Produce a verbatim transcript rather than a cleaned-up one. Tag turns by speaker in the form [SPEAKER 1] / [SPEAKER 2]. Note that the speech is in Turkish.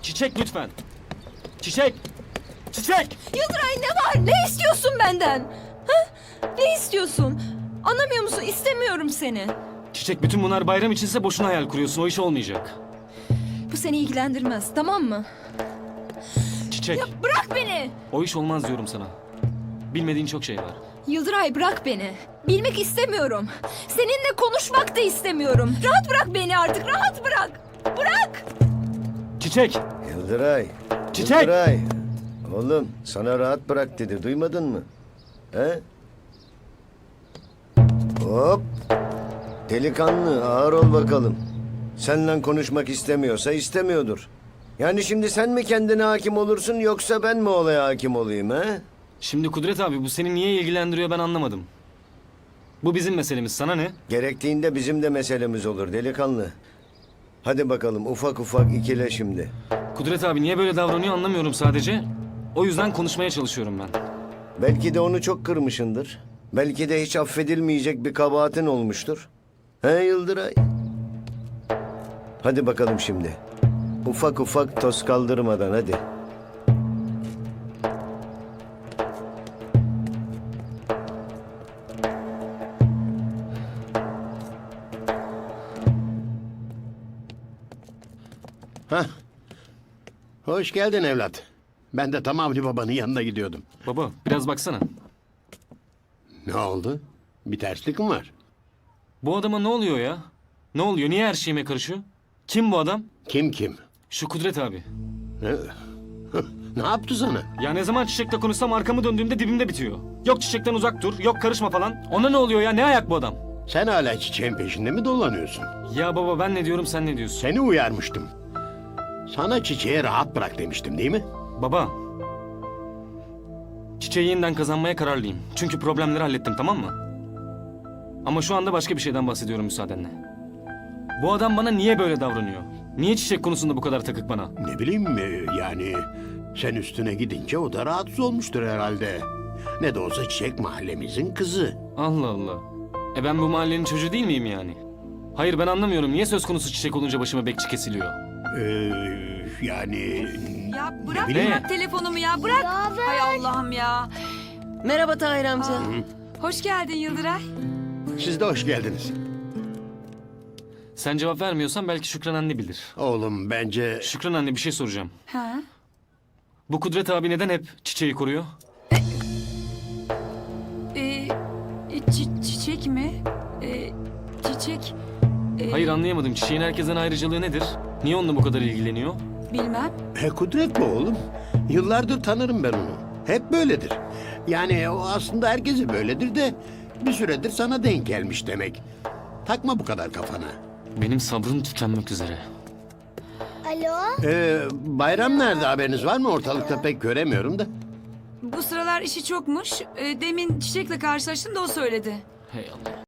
[SPEAKER 1] Çiçek lütfen. Çiçek. Çiçek.
[SPEAKER 2] Yıldıray ne var? Ne istiyorsun benden? Ha? Ne istiyorsun? Anlamıyor musun? İstemiyorum seni.
[SPEAKER 1] Çiçek, bütün bunlar bayram içinse boşuna hayal kuruyorsun. O iş olmayacak.
[SPEAKER 2] Bu seni ilgilendirmez, tamam mı?
[SPEAKER 1] Çiçek.
[SPEAKER 2] Ya bırak beni!
[SPEAKER 1] O iş olmaz diyorum sana. Bilmediğin çok şey var.
[SPEAKER 2] Yıldıray bırak beni. Bilmek istemiyorum. Seninle konuşmak da istemiyorum. Rahat bırak beni artık, rahat bırak. Bırak!
[SPEAKER 1] Çiçek.
[SPEAKER 3] Yıldıray.
[SPEAKER 1] Çiçek!
[SPEAKER 3] Yıldıray. Oğlum sana rahat bırak dedi. Duymadın mı? He? Hop. Delikanlı ağır ol bakalım. Seninle konuşmak istemiyorsa istemiyordur. Yani şimdi sen mi kendine hakim olursun yoksa ben mi olaya hakim olayım he?
[SPEAKER 1] Şimdi Kudret abi, bu seni niye ilgilendiriyor ben anlamadım. Bu bizim meselemiz, sana ne?
[SPEAKER 3] Gerektiğinde bizim de meselemiz olur delikanlı. Hadi bakalım ufak ufak ikile şimdi.
[SPEAKER 1] Kudret abi niye böyle davranıyor anlamıyorum sadece. O yüzden konuşmaya çalışıyorum ben.
[SPEAKER 3] Belki de onu çok kırmışındır. Belki de hiç affedilmeyecek bir kabahatin olmuştur. He Yıldıray? Hadi bakalım şimdi. Ufak ufak toz kaldırmadan hadi.
[SPEAKER 4] Hah. Hoş geldin evlat. Ben de tam Avni babanın yanına gidiyordum.
[SPEAKER 1] Baba biraz baksana.
[SPEAKER 4] Ne oldu? Bir terslik mi var?
[SPEAKER 1] Bu adama ne oluyor ya? Ne oluyor? Niye her şeyime karışıyor? Kim bu adam?
[SPEAKER 4] Kim kim?
[SPEAKER 1] Şu Kudret abi.
[SPEAKER 4] Ne, ne yaptı sana?
[SPEAKER 1] Ya ne zaman Çiçek'le konuşsam arkamı döndüğümde dibimde bitiyor. Yok Çiçek'ten uzak dur, yok karışma falan. Ona ne oluyor ya? Ne ayak bu adam?
[SPEAKER 4] Sen hala çiçeğin peşinde mi dolanıyorsun?
[SPEAKER 1] Ya baba ben ne diyorum sen ne diyorsun?
[SPEAKER 4] Seni uyarmıştım. Sana çiçeği rahat bırak demiştim değil mi?
[SPEAKER 1] Baba. Çiçeği yeniden kazanmaya kararlıyım. Çünkü problemleri hallettim, tamam mı? Ama şu anda başka bir şeyden bahsediyorum müsaadenle. Bu adam bana niye böyle davranıyor? Niye Çiçek konusunda bu kadar takık bana?
[SPEAKER 4] Ne bileyim e, yani sen üstüne gidince o da rahatsız olmuştur herhalde. Ne de olsa Çiçek mahallemizin kızı.
[SPEAKER 1] Allah Allah. E ben bu mahallenin çocuğu değil miyim yani? Hayır ben anlamıyorum. Niye söz konusu Çiçek olunca başıma bekçi kesiliyor?
[SPEAKER 4] Ee, yani
[SPEAKER 5] Ya bırak
[SPEAKER 1] bileyim.
[SPEAKER 5] bırak telefonumu ya bırak. Hay Allah'ım ya.
[SPEAKER 6] Merhaba Tahir amca.
[SPEAKER 5] Hoş geldin Yıldıray.
[SPEAKER 4] siz de hoş geldiniz.
[SPEAKER 1] Sen cevap vermiyorsan belki Şükran anne bilir.
[SPEAKER 4] Oğlum bence
[SPEAKER 1] Şükran anne bir şey soracağım.
[SPEAKER 5] Ha?
[SPEAKER 1] Bu Kudret abi neden hep Çiçeği koruyor?
[SPEAKER 5] Ee, çi- çiçek mi? Ee, çiçek. ee,
[SPEAKER 1] Hayır anlayamadım. Çiçeğin herkesten ayrıcalığı nedir? Niye onunla bu kadar ilgileniyor?
[SPEAKER 5] Bilmem.
[SPEAKER 4] He Kudret mi oğlum? Yıllardır tanırım ben onu. Hep böyledir. Yani o aslında herkese böyledir de bir süredir sana denk gelmiş demek. Takma bu kadar kafana.
[SPEAKER 1] Benim sabrım tükenmek üzere.
[SPEAKER 7] Alo?
[SPEAKER 4] Ee, bayram nerede haberiniz var mı? Ortalıkta pek göremiyorum da.
[SPEAKER 5] Bu sıralar işi çokmuş. Ee, demin Çiçek'le karşılaştım da o söyledi.
[SPEAKER 1] Hey Allah.